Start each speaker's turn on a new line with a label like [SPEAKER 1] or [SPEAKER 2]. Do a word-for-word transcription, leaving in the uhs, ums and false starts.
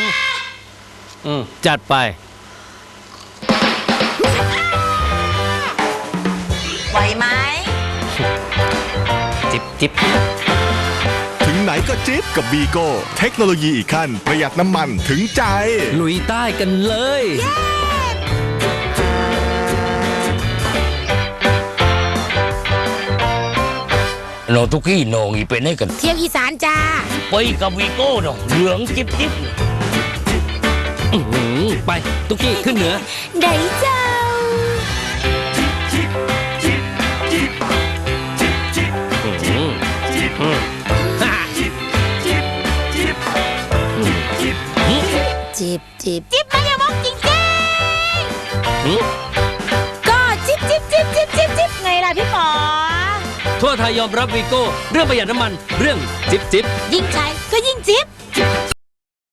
[SPEAKER 1] อืมจัดไป
[SPEAKER 2] ไหวไหม
[SPEAKER 1] จิบจิบ
[SPEAKER 3] ถึงไหนก็จิ๊บกับวีโก้เทคโนโลยีอีกขั้นประหยัดน้ำมันถึงใจ
[SPEAKER 1] ลุยใต้กันเลย
[SPEAKER 4] น้องทุกขี้น้องอีไปไหนกัน
[SPEAKER 2] เที่ยวอีสานจ้า
[SPEAKER 4] ไปกับวีโก้น้องเหลืองจิ๊บจิ๊บ
[SPEAKER 1] ไปตุ๊กกี้ขึ้นเหนือ
[SPEAKER 2] ได้เจ้าจิบจิบจิบมันอย่ามองจริงจริงก็จิบจิบจิบจิบจิบจิบไงล่ะพี่ป๋อ
[SPEAKER 1] ทั่วไทยยอมรับวีโก้เรื่องประหยัดน้ำมันเรื่องจิบจิบ
[SPEAKER 2] ยิ่งใช้